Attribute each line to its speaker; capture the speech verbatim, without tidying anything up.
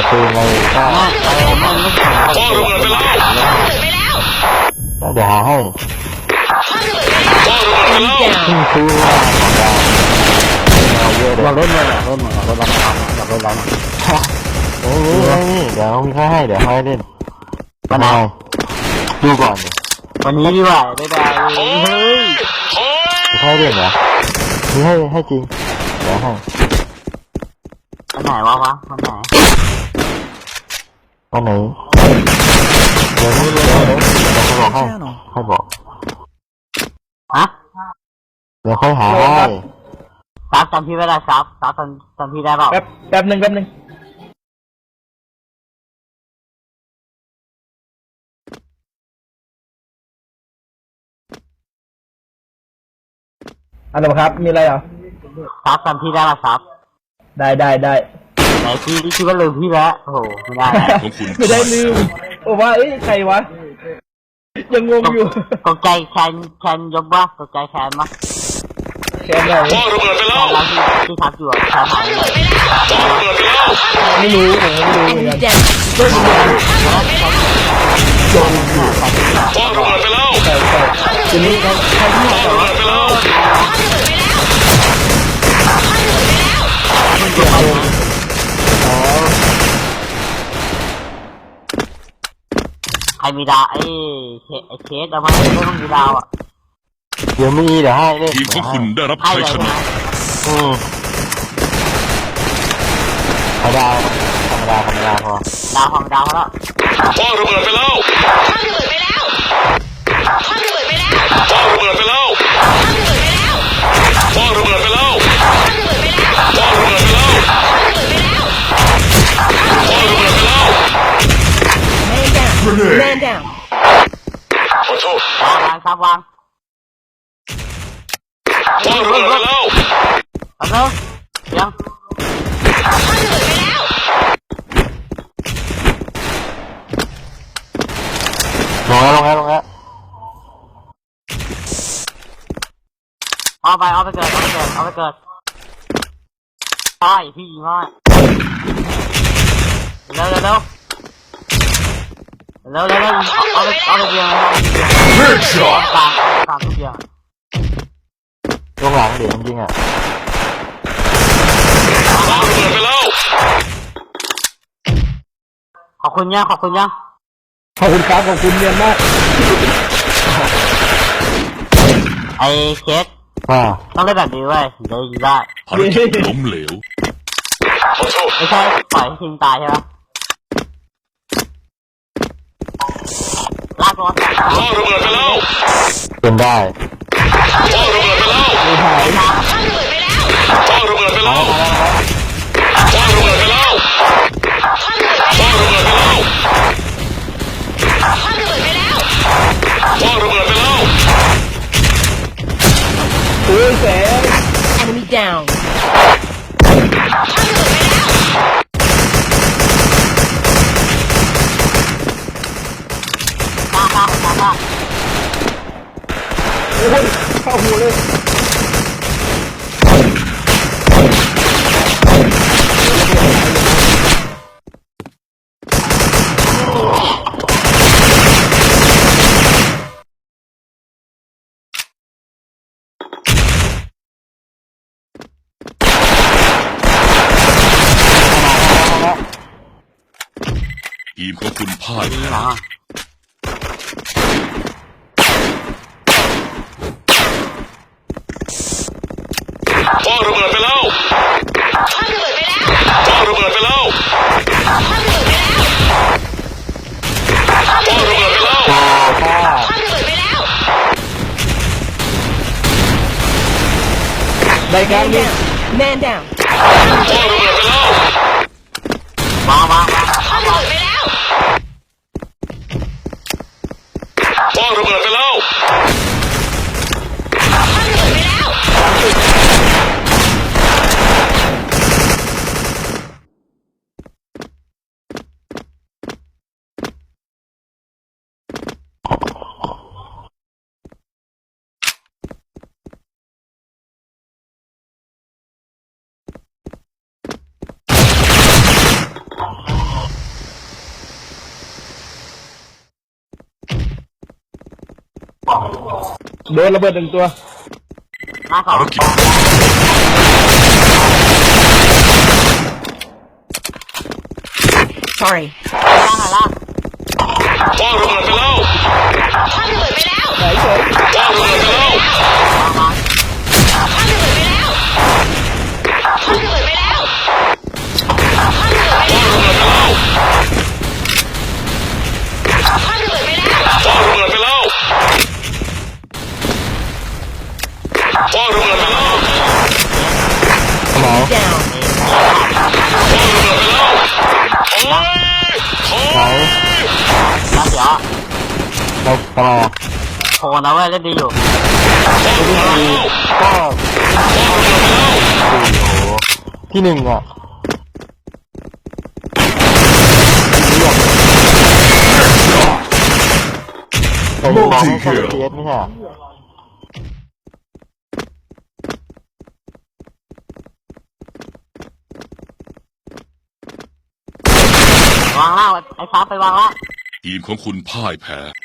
Speaker 1: จะปืนอะไรก็
Speaker 2: มันไม่ถึงพ่อระเบิดไปแล้ว
Speaker 1: เดี๋ยวหาให้
Speaker 2: พ่อระเบิดไปแล้ว
Speaker 1: ขึ้นซื้อว่าเราเยอะเลยเราเล่นเลยเล่นเราเล่นเราทำเราเล่นเราโอ้ยเดี๋ยวมีค่าให้เดี๋ยวให้เล่นมาหน่อยดูก่อนวันนี้ดีกว่าได้ได้เฮ้ยให้เล่นเหรอมีให้ให้จริงเดี๋ยวให้วันไหนวะวะวันไหนวันไหนเดี๋ยวเดี๋ยวเดี๋ยวเดี๋ยวเขาบอกให้ให้บอกฮะเดี๋ยวค่อยหาให้ซับจำพี่ไม่ได้ซับซับจำจำพี่ได้เปล่า
Speaker 3: แป๊บแป๊บหนึ่งแป๊บหนึ่งอันดับครับมีอะไรเหรอ
Speaker 1: ซับจำพี่ได้ป่ะซับ
Speaker 3: ได้ได้ได้
Speaker 1: ไหนพี่คิดว่าลืมพี่แล้วโอ้โหไม่ได้
Speaker 3: ไม่ได้ลืมโอ้ว่าเอ้ยใครวะยังงงอยู่
Speaker 1: ตกใจแคนแคนยกวะตกใจแคนมั้ย
Speaker 3: แคนอะไร
Speaker 2: พ่อระเบิดไปแล้ว
Speaker 1: แล้วที่ที่ทักอยู่แคนหายเลย
Speaker 2: พ่อระเบิดไปแล้ว
Speaker 3: ไม่รู้ผมไม่รู้เหมือนกัน
Speaker 2: พ่อระเบิดไปแล้ว
Speaker 3: ใช่ใช่ทีนี้เขาใครที่
Speaker 2: พ่อระเบิดไปแล้ว
Speaker 1: ใครมีดาวไอ้ไอ้เคสเอาไหมไม่ต้องมีดาวอ่ะเดี๋ยวมีเดี๋ยวให้เล่น
Speaker 2: ทีมของคุณได้รับชัยชนะ
Speaker 1: อืมเอาดาวธรรมดาธรรมดาพอดาวธรรมดาพอแล้ว
Speaker 2: พ่อระเบิดไปแล้วพ่อระเบิดไปแล้วพ่อระเบิดไปแล้วพ่อระเบิดไปแล้วพ่อระเบิดไปแล้วพ่อระเบิดไปแล้วพ่อระเบิดไปแล้ว
Speaker 4: Man down
Speaker 2: ขอโทษ
Speaker 1: วางวางครับวาง
Speaker 2: พ่อระเบิดไปแล้ว
Speaker 1: เอาเถอะยังลงแล้วลงแล้วลงแล้วเอาไปเอาไปเกิดเอาไปเกิดเอาไปเกิดใช่พี่ยิงให้เร็วเร็วเร็วเร็วเร็วเร็วเอาไปเอาไปเบียงเอาไปตามตามทุกอย่างลงหลังเดี๋ยวจริงๆอ่ะ
Speaker 2: พ่อระเบิดไปแล้ว
Speaker 1: ขอบคุณยังขอบคุณยัง
Speaker 3: ขอบคุณครับขอบคุณเรียนมาก
Speaker 1: ไอ้เคสต้องเล่นแบบนี้เว้ยถึงจะยิงได้
Speaker 2: ภารกิจล้มเหลว
Speaker 1: ไม่ใช่ปล่อยให้ทีมตายใช่ไหมลากตัว
Speaker 2: พ่อระเบิดไปแล้ว
Speaker 1: เป็นได้
Speaker 2: พ่อระเบิดไปแล้วพ่อระเบิดไปแล้วพ่อระเบิดไปแล้วพ่อระเบิดไปแล้วพ่อระเบิดไปแล้ว
Speaker 3: โอ้ยแสง
Speaker 4: Enemy down
Speaker 1: ตาตาตาตา
Speaker 3: โอ้ยเข้าหูเลย
Speaker 2: ทีมของคุณพ่ายแพ้พ่อระเบิดไปแล้วพ่อระเบิดไปแล้วพ่อระเบิดไปแล้วพ่อระเบิดไปแล้ว
Speaker 3: ได้การนี้
Speaker 4: Man down
Speaker 2: พ่อระเบิดไปแล้ว
Speaker 1: มามา
Speaker 2: พ่อระเบิดไปแล้ว
Speaker 3: โดนระเบิดหนึ่งตัว
Speaker 1: หน้าสอง
Speaker 2: ภารกิจ
Speaker 4: Sorry.
Speaker 1: ล่างไหนล่าง
Speaker 2: คว้างระเบิดไปแล้ว
Speaker 4: คว้างระเบิดไปแล้ว
Speaker 3: ไหนเฉย
Speaker 2: คว้างระเบิดไปแล้ว
Speaker 4: คว้างระเบิดไปแล้วคว้างระเบิดไปแล้วคว้างระเบิดไปแล้วคว้างระเบิดไปแล้ว
Speaker 2: คว้างระเบิดไปแล้วคว้างระเบิดไปแล้ว
Speaker 1: ไหน
Speaker 4: Down.
Speaker 2: คว้างระเบิดไปแล้วโอ้ยโอ้
Speaker 1: ไหน
Speaker 2: ย
Speaker 1: นัดเดี๋ยวเราทำไมอ่ะโทรนะเว้ยเล่นดีอยู่
Speaker 2: คว้างระเบิดไปแล้ว
Speaker 1: ก็
Speaker 2: คว้างระเบิดไปแล้ว
Speaker 1: โอ้โหที่หนึ่งอ่ะแต่มองให้แค่เอสไม่ใช่เหรอวางล่างไอ้ฟ้าไปวางล่าง
Speaker 2: ทีมของคุณพ่ายแพ้